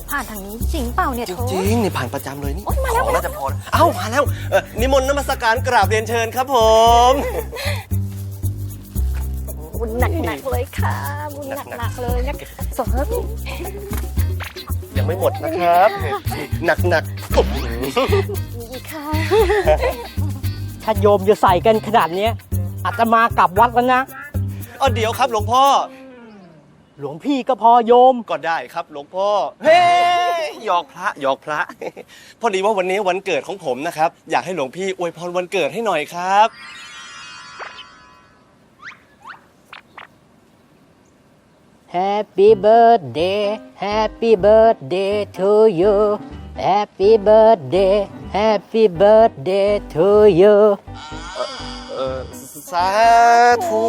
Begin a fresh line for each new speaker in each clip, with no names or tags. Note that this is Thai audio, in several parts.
ผ่านทางนี้จริงเปล่าเนี่ย
จ
โถ
ริงๆนี่ผ่านประจำเลยนี่
โอ๊ยมาแล้ว
ของน่าจะพอแล้วเอ้ามาแล้วนิมนต์นมัสการกราบเรียนเชิญครับผม
บุญหนักๆเลยค่ะบุญหนักๆเลยนะสม
ยังไม่หมดนะครับ หนักๆโอ้โห
อีกค่ะ
ถ้าโยมจะใส่กันขนาดเนี้ยอาตมากลับวัดแล้วนะ
เดี๋ยวครับหลวงพ่อ
หลวงพี่ก็พอโยม
ก็ได้ครับหลวงพ่อเฮ้ยหยอกพระหยอกพระ พอดีว่าวันนี้วันเกิดของผมนะครับ อยากให้หลวงพี่อวยพรวันเกิดให้หน่อยครับ
Happy birthday Happy birthday to you Happy birthday Happy birthday to you
สาธุ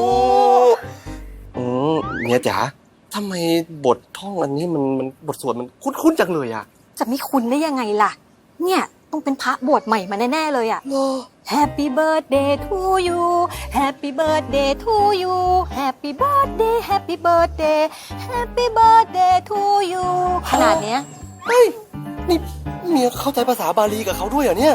เนี่ยจ๋าทำไมบทท่องอันนี้มันบทสวดมันคุ้นๆจังเลยอ่ะ
จะไม่คุ้นได้ยังไงล่ะ เนี่ยต้องเป็นพระบวชใหม่มาแน่ๆเลยอ่ะ Happy birthday to you Happy birthday to you Happy birthday Happy birthday Happy birthday to you ขนาดเนี้ย
เฮ้ยนี่เมียเข้าใจภาษาบาลีกับเขาด้วยเหรอเนี่ย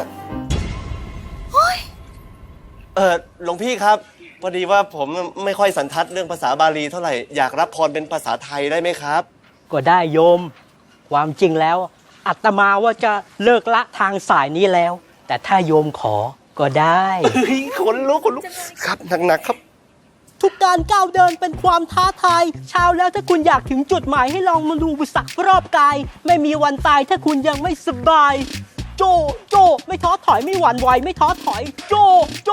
หลวงพี่ครับพอดีว่าผมไม่ค่อยสันทัดเรื่องภาษาบาลีเท่าไหร่อยากรับพรเป็นภาษาไทยได้ไหมครับ
ก็ได้โยม ความจริงแล้วอาตมาว่าจะเลิกละทางสายนี้แล้ว แต่ถ้าโยมขอก็ได้
เฮ้ยขนลุกครับหนักๆครับ
ทุกการก้าวเดินเป็นความท้าทายเช้าแล้วถ้าคุณอยากถึงจุดหมายให้ลองมาดูอุปสรรครอบกาย ไม่มีวันตายถ้าคุณยังไม่สบาย โจโจไม่ท้อถอยไม่หวั่นไหวไม่ท้อถอย โจโจ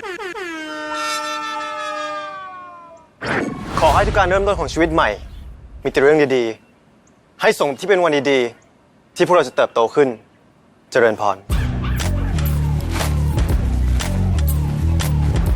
ขอให้ทุกการเริ่มต้นของชีวิตใหม่ มีแต่เรื่องดีๆ ให้สมที่เป็นวันดีๆ ที่พวกเราจะเติบโตขึ้น เจริญพร